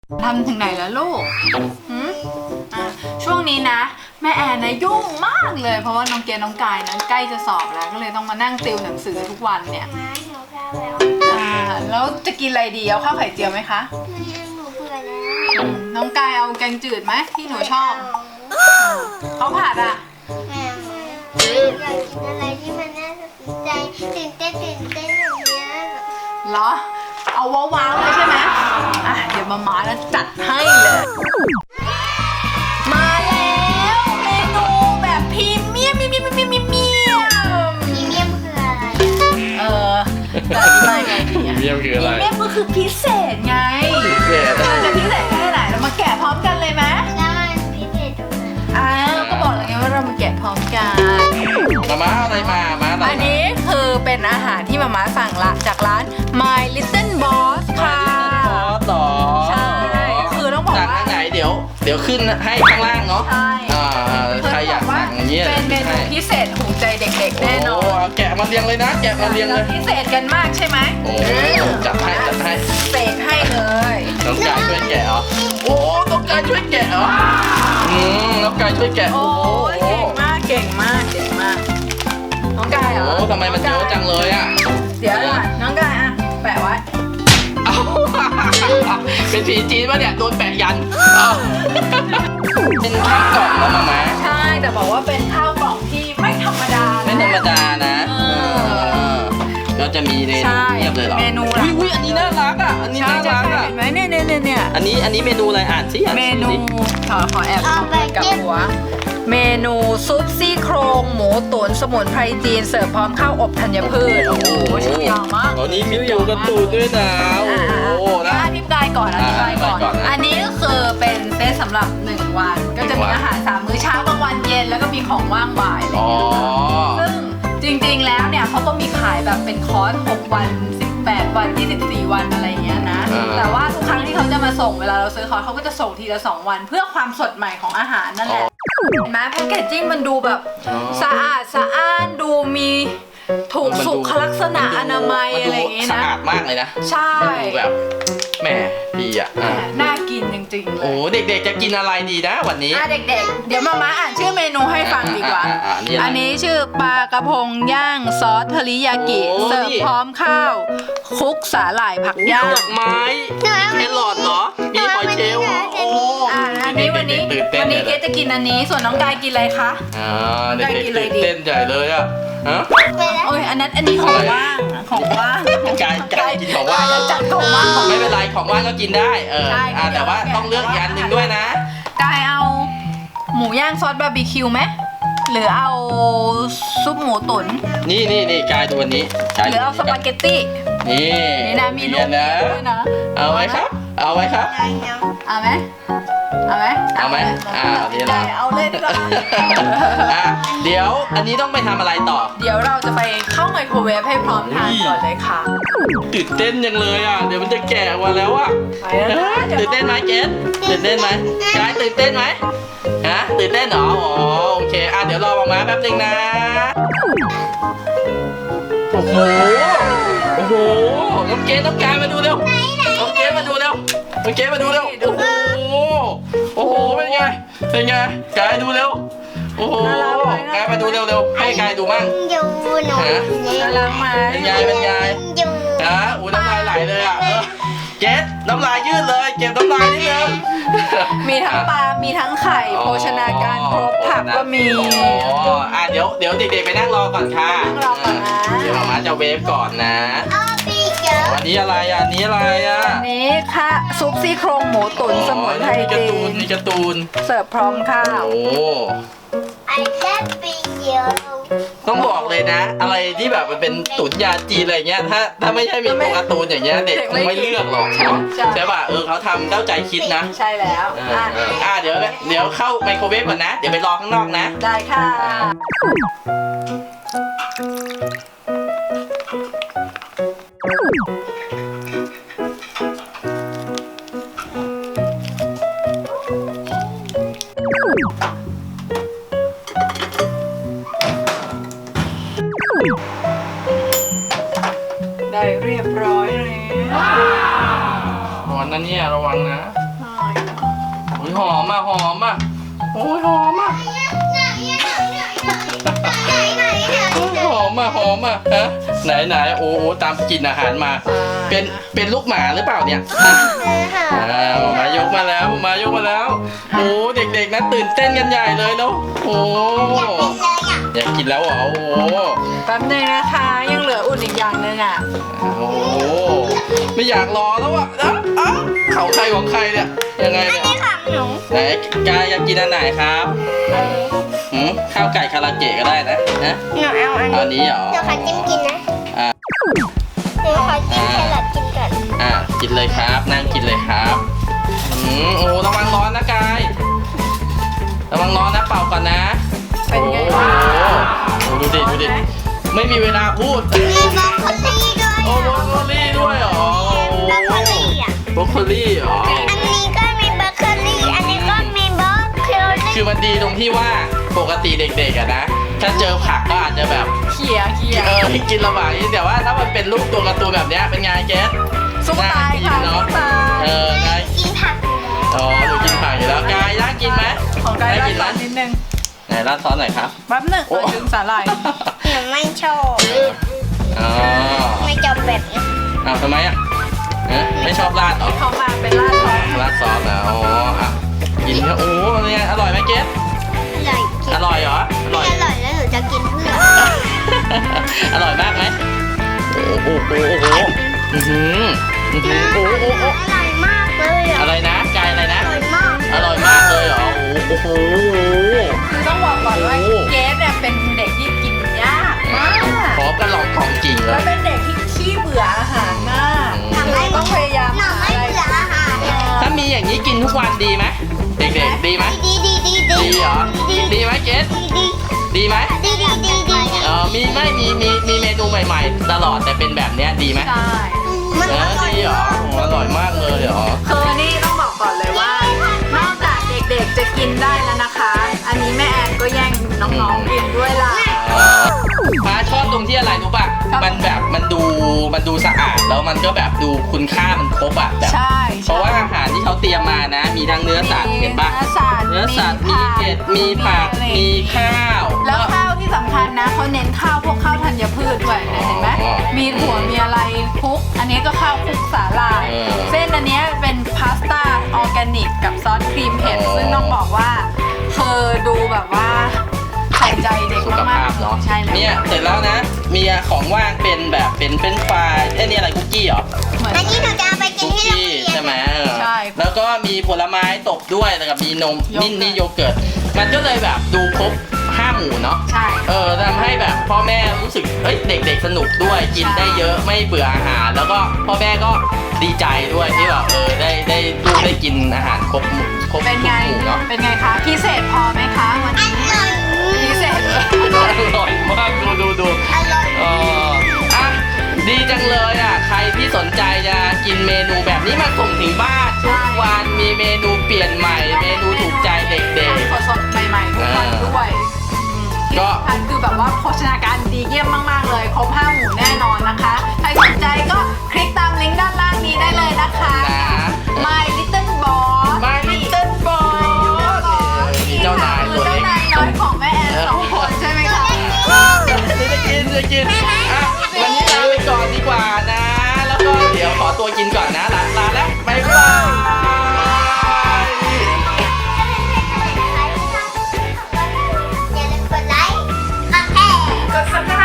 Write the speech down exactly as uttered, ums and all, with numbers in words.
ทำถึงไหนแล้วลูกหืมอ่ะช่วงนี้นะแม่แอนนะยุ่งมากเลยเพราะว่าน้องเกณฑ์น้องกายนะใกล้จะสอบแล้วก็เลยต้องมานั่งติวหนังสือทุกวันเนี่ยมาหิวข้าวแล้วอ่าแล้วจะกินอะไรดีเอาข้าวไข่เจียวไหมคะหนูเบื่อแล้วอืมน้องกายเอาแกงจืดไหมที่หนูชอบเขาวผัดอ่ะแม่อยากกินอะไรที่มันน่าสนใจตื่นเต้นตื่นเต้นอย่างเงี้ยเหรอเอาว้าวๆเลยใช่ไหมอ่ะเดี๋ยวมาม่าจะจัดให้เลยมาแล้วเมนูแบบพรีเมียมเมียมเมียมเมียมเมียมพรีเมียมคืออะไรเออจะอธิบายไงดีพรีอะเมียมคืออะไรพรีเมียมก็คือพิเศษไงพิเศษเออจะพิเศษแค่ไหนเรามาแกะพร้อมกันเลยไหมแล้วมันพิเศษตรงไหนอ่าก็บอกแล้วไงว่าเรามาแกะพร้อมกันมาม่าเอาอะไรมามาอะไรอันนี้คือเป็นอาหารที่มาม่าสั่งละจากร้าน My Little Boss ค่ะซอสหรอใช่คือต้องบอกว่าสั่งทางไหนเดี๋ยวเดี๋ยวขึ้นให้ข้างล่างเนาะใช่อ่าใครอยากสั่งอย่างเงี้ยเป็นเมนูพิเศษถูกใจเด็กๆแน่นอโอ้นเอาแกะมาเรียงเลยนะแกะมาเรียงเลยพิเศษกันมากใช่ไหมโอ้จัดให้จัดให้เศษให้เลยน้องกายช่วยแกะเหรอโอ้น้องกายช่วยแกะเหรออืมน้องกายช่วยแกะโอ้โอ้ยเก่งมากเก่งมากเก่งมากน้องกายเหรอโอ้ทำไมมันเยอะจังเลยอ่ะเดี๋ยวก่อนน้องกายอะแปะไว้เอ้าเป็นผีจีนปะเนี่ยโดนแปะยันเอ้าเป็นข้าวกล่องแล้วมาม่าใช่แต่บอกว่าเป็นข้าวกล่องที่ไม่ธรรมดาไม่ธรรมดานะเออก็จะมีเมนูใช่เทียบเลยเหรอเมนูหลักอุ้ยอันนี้น่ารักอ่ะ อันนี้ใช่น่าใช่รักใช่อ่ะเห็นไหมเนี่ยเนี่ยเนี่ยเนี่ยอันนี้อันนี้เมนูอะไรอ่านสิอ่านเมสินูดิขอขอแอบเอามือกับหัว เมนูซุปซี่โครงหมูตุ๋นสมุนไพรจีนเสิร์ฟพร้อมข้าวอบธัญพืชโอ้โหชื่อยาวมากอันนี้มีตัวการ์ตูนด้วยนะโอ้โหอ่านะอธิบายก่อนอธิบายก่อนอ่าอธิบายก่อนนะอันนี้ก็คือเป็นเซตสำหรับหนึ่งวัน ก็จะหนึ่มีงวันอาหารสามมื้อเช้ากลางวันเย็นแล้วก็มีของว่างบ่ายอะไรออ๋ย่างอเงี้ยซึ่งจริงๆแล้วเนี่ยเขาก็มีขายแบบเป็นคอร์สหกวันสิบแปดวันยี่สิบสี่วันอะไรอย่างเงี้ยนะอ่าแต่ว่าทุกครั้งที่เขาจะมาส่งเวลาเราซื้อคอร์สเขาก็จะส่งทีละสองวัน เพื่อความสดใหม่ของอาหารนั่นแหละเห็นไหมแพคเกจจิ้งมันดูแบบสะอาดสะอ้านดูมีถูกสุขลักษณะอนามัยอะไรอย่างงี้สะนะอาดมากเลยนะใช่ดูแบบแหมดีอ่ะแหมอ่ะน่ากินจริงๆเลโอ้ยเด็กๆจะกินอะไรดีนะวันนี้อ่ะเด็กๆ เดี๋ยวมาม่าอ่านชื่อเมนูให้ฟังดีกว่าอ่ะอ่ะอ่ะอันนี้อะไรอันนี้ชื่อปลากระพงย่างซอสเทอริยากิโอ้เสิร์ฟนี่พร้อมข้าวคลุกสาหร่ายผักย่างดอกไม้มีแครอทเหรอ มีหอยเชลล์เหรอโอ้อ่ะอันนี้วันนี้ตื่นเต้วันนนี้ใหญ่เกเลยจะกินอันนี้ ส่วนน้องกายกินอะไรคะอ่าเด็กได้กินอะไรๆดีตื่นเต้นใหญ่เลยอ่ะฮะไปแล้วโอ้ยอันนั้นอันนี้ของว่างของว่างกายกายกินของว่างเออจัดของว่างของไม่เป็นไรของว่างก็กินได้เออใช่อ่าแต่ว่าต้องเลือกอีกอันหนึ่งด้วยนะกายเอาหมูย่างซอสบาร์บีคิวไหมหรือเอาซุปหมูตุ๋นนี่นี่นี่กายดูวันนี้กายหรือเอาสปาเกตตี้นี่นี่นะมีลูเรียกนนะด้วยนะเอาไว้ครับ เอาไว้ครับเอาไหมเอาไหมเอาไหมอ่าเดี๋ยวเราเอาเลยดีกว่าอ่ะเดี๋ยวอันนี้ต้องไปทำอะไรต่อเดี๋ยวเราจะไปเข้าไมโครเวฟให้พร้อมทานก่อนเลยค่ะตื่นเต้นยังเลยอ่ะ เดี๋ยวมันจะแก่กว่าแล้วอ่ะไปแล้วนะเอ้ยตื่นเต้นไหมเกสตื่นเต้นไหมกายตื่นเต้นไหมฮะตื่นเต้นเหรออ๋อโอเคอ่ะเดี๋ยวรอมามาแป๊บนึงนะโอ้โหโอ้โหน้องเกสน้องกายมาดูเร็วน้องเกสมาดูเร็วน้องเกสมาดูเร็วโอ้โหโอ้โหเป็นไงเป็นไงกายดูเร็วโอ้โหกายมาดูเร็วเร็วให้กายดูมั่งอยู่หนูน่ารักไหมเป็นไงเป็นไงอยู่นะอู้น้ำลายไหลเลยอ่ะเออเกสน้ำลายยืดเลยเก็บน้ำลายนิดนึงมีทั้งปลา มีทั้งไข่ โภชนาการครบผักก็มีอ๋ออ่ะเดี๋ยวเดี๋ยวเด็กๆไปนั่งรอก่อนค่ะนั่งรอก่อนนะเดี๋ยวมาม่าจะเวฟก่อนนะอ้อพี่เจออันนี้อะไรอ่ะอันนี้อะไรอ่ะอันนี้ค่ะซุปซี่โครงหมูตุ๋นสมุนไพรมีการ์จีตูนนมีการ์ตูนเสิร์ฟพร้อมข้าวโอ้ไอ้เล็บปีเยอะต้องบอกเลยนะ อะไรที่แบบมันเป็นตุ๋นยาจีนอะไรเงี้ยถ้าถ้าไม่ใช่มีตัวการ์ตูนอย่างเงี้ยเด็กคงไม่เลือกหรอกเนาะใช่ป่ะเออเขาทำเข้าใจคิดนะใช่แล้วเอออ่ะเอออ่ะเดี๋ยวเดี๋ยวเข้าไมโครเวฟก่อนนะ เดี๋ยวไปรอข้างนอกนะได้ค่ะ ได้เรียบร้อยแล้วร้อนนะเนี่ยระวังนะอ่อ่ะหอมอ่ะโอ้ยหอมอ่ะไหนไหนไหนไหนหอมอ่ะหอมอ่ะฮะไหนไหนโอ้โหตามกลิ่นอาหารมา เป็นเป็นลูกหมาหรือเปล่าเนี่ยอ่ะอ่ามายกมาแล้วมายกมาแล้วโอ้เด็กๆนะตื่นเต้นกันใหญ่เลยแล้วโอ้อยากกินแล้วเหรอโอ้แป๊บนึงนะคะยังเหลืออุ่นอีกอย่างหนึงอ่ะโอ้ไม่อยากรอแล้วอ่ะนะอ้าวเขาใครของใครเนี่ยยังไงเนี่ยนี่ของหนูไหนกายอยากกินอันไหนครับหืมข้าวไก่คาราเกะก็ได้นะนะหนูเอาอันเอาอันนี้เหรอหนูขอจิ้มกินนะอ่าหนูขอจิ้มแครอทกินก่อนอ่ากินเลยครับนั่งกินเลยครับอืมโอ้ระวังร้อนนะกายระวังร้อนนะเป่าก่อนนะเป็นไงโอ้บ้างโหดูดิดูดิไม่มีเวลาพูดมีบรอกโคลี่ด้วยโอ้โบรอกโคลี่ด้วยเหรอบรอกโคลี่อ่ะโบรอกโคลี่เหรออันนี้ก็มีบรอกโคลี่อันนี้ก็มีบรอกโคลี่คือมันดีตรงที่ว่าปกติเด็กๆอะนะถ้าเจอผักก็อาจจะแบบเขี่ยเขี่ยเออกินลำบากนิดแต่ว่าถ้ามันเป็นรูปตัวการ์ตูนแบบเนี้ยเป็นไงเกสสู้ตายค่ะน่ากินสู้เนาะตายเออไงกินผักอยู่แล้วอ๋อหนูกินผักอยู่แล้วกายน่ากินไหมของกายน่าราดกินซไหมอสนิดนึงไหนราดซอสหน่อยครับแป๊บหนึงโอ้เออดึงสาหร่ายหนูไม่ชอบอ๋อไม่จบแบบนี้อ้าวทำไมอ่ะเอ๊ะไม่ชอบราดเหรอเขามาเป็นราดซอสราดซอสนะอ๋ออ่ะกินเนี่ยโอ้เนี่ยอร่อยไหมเกสอร่อยกินอร่อยเหรออร่อยไม่อร่อยแล้วหนูจะกินเพื่ออร่อยมากไหมโอ้โหโอ้โหโอ้โหอื้อหืออื้อหือโอ้โหโอ้โหอร่อยมากเลยอ่ะอะไรนะกายอะไรนะอร่อยมากอร่อยมากเลยเหรอโอ้โหคือต้องบอกก่อนว่าโอ้เกสเนี่ยเป็นเด็กที่กินยากมากพร้อมกันหลอกของจริงเลแล้วยเป็นเด็กที่ขี้เบื่ออาหารมากอืมคือต้องพยายามหนูหาไม่อะไรเบื่ออาหารเลยถ้ามีอย่างนี้กินทุกวันดีไหมเด็กๆดีไหมดีดีดีดีดีเหรอดีไหมเกสดีดีไหมดีดีดีดีเออมีไม่มีมีมีเมนูใหม่ๆ ตลอดแต่เป็นแบบเนี้ยดีไหมใช่มันเอออร่อยดีเหรอโอ้อร่อยมากเลยเหรอคือนี่ต้องบอกก่อนเลยว่า นอกจากเด็กๆจะกินได้แล้วนะคะ อันนี้แม่แอนก็แย่งน้องๆกินด้วยล่ะอ๋อฟ้าชอบตรงที่อะไรรู้ป่ะครับมันแบบมันดูมันดูสะอาดแล้วมันก็แบบดูคุณค่ามันครบอ่ะแบบใช่เพราะว่าอาหารที่เขาเตรียมมานะ มีทั้งเนื้อสัตว์เห็นป่ะเนื้อสัตว์เนื้อสัตว์มีเห็ดมีผักมีข้าวแล้วข้าวที่สำคัญนะเขาเน้นข้าวพวกข้าวธัญพืชด้วยเนี่ยเห็นไหมอ๋อมีถั่วมีอะไรคลุก อันนี้ก็ข้าวคลุกสาหร่ายเออเส้นอันเนี้ยเป็นพาสต้าออร์แกนิกกับซอสครีมเผ็ดอ๋อซึ่งต้องบอกว่าคือดูแบบว่าใส่ใจเด็กสุขมาภาก พเนาะๆใช่แล้วเนี่ยเสร็จแล้วนะ มีของว่างเป็นแบบเป็นเป็นไฟรายเอ้ยนี่อะไรคุกกี้เหรอเหมือนอันนี้หนูจะเอาไปกิคุนกที่โรงกี้เรียนใช่ไหมเออใช่แล้วก็มีผลไม้ตกด้วยแล้วก็มีนมโยเกินี่ร์ตนี่โยเกิร์ตมันก็เลยแบบดูครบห้าหมู่เนาะใช่เออทำให้แบบพ่อแม่รู้สึกเอ้ยเด็กๆสนุกด้วยกินใช่ได้เยอะไม่เบื่ออาหาร แล้วก็พ่อแม่ก็ดีใจด้วยที่แบบเออได้ได้ลูกได้กินอาหารครบหมู่ครบเป็นทุกไงหมู่เนาะเป็นไงคะ พิเศษพอไหมคะวันอนี้ร่อยพิเศษอร่อยมากดูดูดูอร่อยเอออ่ะดีจังเลยอ่ะใครที่สนใจจะกินเมนูแบบนี้มาส่งถึงบ้านทุกวันมีเมนูเปลี่ยนใหม่ เมนูถูกใจเด็กสดๆใหม่ๆทุกวันด้วยอืมที่ก็สำคัญคือแบบว่าโภชนาการดีเยี่ยมมากๆเลย ครบห้าหมู่แน่นอนนะคะ ใครสนใจก็คลิกตามลิงก์ด้านล่างนี้ได้เลยนะคะๆนะ My Little Boss My Little Boss มีเจ้านายตัวเจ้าเล็กนายน้อยของแม่แอนสองคนใช่ไหมคะจะกินจะกินอ่ะวันนี้ลาไปก่อนดีกว่านะ แล้วก็เดี๋ยวขอตัวกินก่อนนะลาลาแล้วบ๊ายบายอย่าลืมกดไลค์กดแชร์กด subscribe